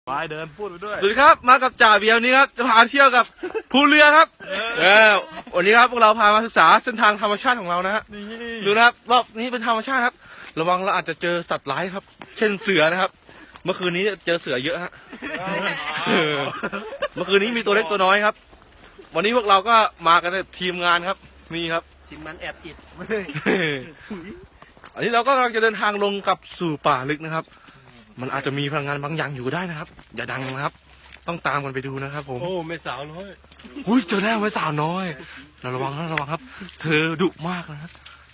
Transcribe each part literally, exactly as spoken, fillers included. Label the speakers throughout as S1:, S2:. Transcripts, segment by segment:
S1: ไปเดินพูดไปด้วย
S2: สวัสดีครับมากับจ่าเบียวนี้ครับจะพาเที่ยวกับภูเรือครับเออวันนี้ครับพวกเราพามาศึกษาเส้นทางธรรมชาติของเรานะฮะดูนะครับรอบนี้เป็นธรรมชาติครับระวังเราอาจจะเจอสัตว์ร้ายครับเช่นเสือนะครับเมื่อคืนนี้เจอเสือเยอะฮะเมื่อคืนนี้มีตัวเล็กตัวน้อยครับวันนี้พวกเราก็มากันทีมงานครับนี่ครับ
S3: ทีมงานแอบอิด
S2: อันนี้เราก็กำลังจะเดินทางลงกับสู่ป่าลึกนะครับมันอาจจะมีพลังงานบางอย่างอยู่ก็ได้นะครับอย่าดังนะครับต้องตามกันไปดูนะครับผม
S1: โอ้ไม่สาวน้อย
S2: อุ้ยเจอแล้วไม่สาวน้อยเราระวังนะระวังครับเธอดุมากนะครับ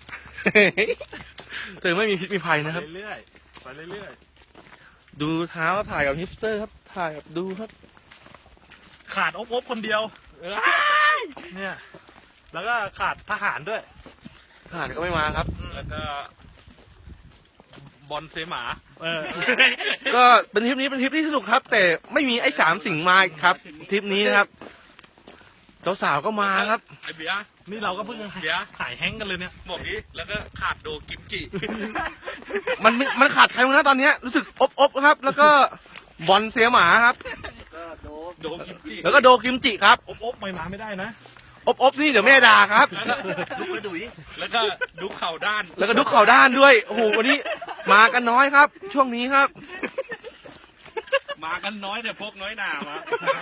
S2: เธอไม่มีพิษมีภัยนะครับ
S1: ไปเรื่อยไปเรื่อย
S2: ดูเท้าถ่ายกับฮิปสเตอร์ครับถ่ายกับดูครับ
S1: ขาดอบอบคนเดียวเนี่ยแล้วก็ขาดทหารด้วย
S2: ทหารก็ไม่มาครับ
S1: แล้วก็บอลเซหมาเออ
S2: ก็เป็นทริปนี้เป็นทริปที่สนุกครับแต่ไม่มีไอ้สามสิ่งมาครับทริปนี้นะครับเจ้าสาวก็มาครับ
S1: ไอเบียนี่เราก็เพิ่งเบียหายแห้งกันเลยเนี่ยบอกนี้แล้วก็ขาดโดกิมจิ
S2: มันมันขาดใครมาตอนนี้รู้สึกอบอบครับแล้วก็บอลเสียหมาครับ
S1: โดกิมจิ
S2: แล้วก็โดกิมจิครับ
S1: อบอบไม่มาไม่ได้นะ
S2: อบอบนี่เดี๋ยวแม่ด่าครับ
S3: ลูกกระดุย
S1: แล้วก็ดุเข่าด้าน
S2: แล้วก็ดุเข่าด้านด้วยโอ้โหวันนี้มากันน้อยครับช่วงนี้ครับ
S1: มากันน้อยแต่พกน้อยหนามา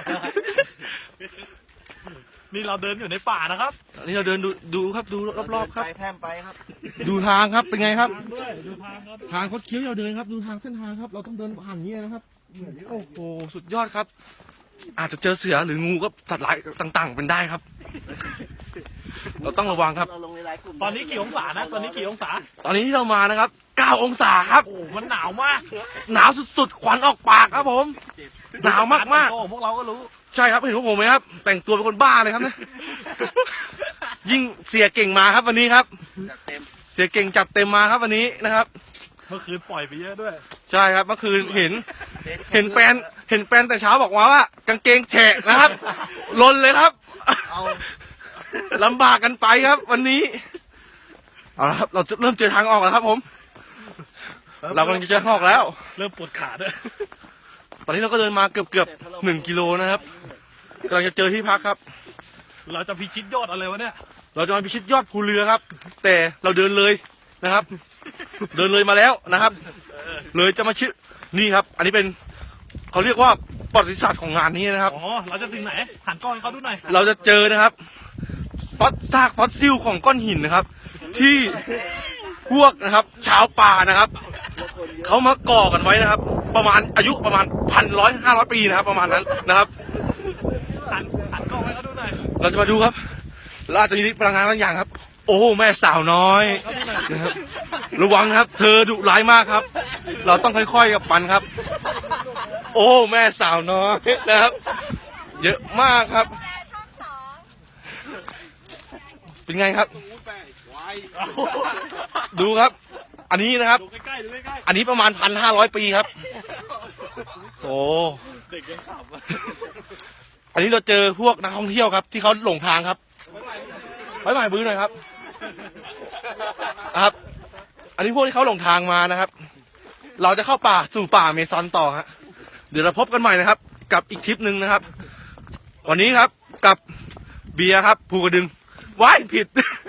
S1: นี่เราเดินอยู่ในป่านะครับ
S2: นี่เราเดินดูดูครับดูรอบๆครับ
S3: ไปแพร่มไปครับ
S2: ดูทางครับเป็นไงครับ
S1: ดูทางครับ
S2: ทางคดเคี้ยวเราเดินครับดูทางเส้นทางครับเราต้องเดินผ่านนี้นะครับโอ้โหสุดยอดครับอาจจะเจอเสือหรืองูก็สัตว์ร้ายต่างๆเป็นได้ครับเราต้องระวังครับ
S1: ตอนนี้กี่องศานะตอนนี้กี่องศา
S2: ตอนนี้ที่เรามานะครับเก้าองศาครับ
S1: โอ้มันหนาวมาก
S2: หนาวสุดๆควันออกปากครับผมหนาวมาก
S1: ๆพวกเราก็รู้
S2: ใช่ครับเห็นพวกผมไหมครับแต่งตัวเป็นคนบ้าเลยครับเนี่ยยิ่งเสียเก่งมาครับวันนี้ครับเสียเก่งจัดเต็มมาครับวันนี้นะครับ
S1: เมื่อคืนปล่อยไปเยอะด้วย
S2: ใช่ครับเมื่อคืนเห็นเห็นแฟนเห็นแฟนแต่เช้าบอกว่าว่ากางเกงแฉะนะครับลนเลยครับลำบากกันไปครับวันนี้เอาละครับเราจะเริ่มเจอทางออกแล้วครับผมเรากำลังจะเจอทางออกแล้ว
S1: เริ่มปวดขาด้วย
S2: ตอนนี้เราก็เดินมาเกือบเกือบหนึ่งกิโลนะครับกำลังจะเจอที่พักครับ
S1: เราจะพิชิตยอดอะไรวะเนี่ย
S2: เราจะมาพิชิตยอดภูเรือครับแต่เราเดินเลยนะครับเดินเลยมาแล้วนะครับเลยจะมาชิดนี่ครับอันนี้เป็นเขาเรียกว่าประวัติศาสตร์ของงานนี้นะครับ
S1: อ๋อเราจะถึงไหนหันกล้องให้เขาดูหน่อย
S2: เราจะเจอนะครับฟอสซากฟอสซิลของก้อนหินนะครับที่พวกนะครับชาวป่านะครับเขามาก่อกันไว้นะครับประมาณอายุประมาณพันร้อยห้าร้อยปีนะครับประมาณนั้นนะครับ
S1: หันหันกล้องให้เขาดูหน่อย
S2: เราจะมาดูครับเราอาจจะมีพลังงานบางอย่างครับโอ้แม่สาวน้อยนะครับระวังนะครับเธอดุร้ายมากครับเราต้องค่อยๆกับปันครับโอ้แม่สาวน้อยนะครับเยอะมากครับเป็นไงครับดูครับอันนี้นะครับอันนี้ประมาณพันห้าร้อยปีครับโอ้
S1: เด็กยังขับ
S2: อันนี้เราเจอพวกนักท่องเที่ยวครับที่เขาหลงทางครับไว้ใหม่บื้อหน่อยครับครับอันนี้พวกที่เขาหลงทางมานะครับเราจะเข้าป่าสู่ป่าเมซอนต่อฮะเดี๋ยวเราพบกันใหม่นะครับกับอีกทริปหนึ่งนะครับวันนี้ครับกับเบียร์ครับภูกระดึงว้ายผิด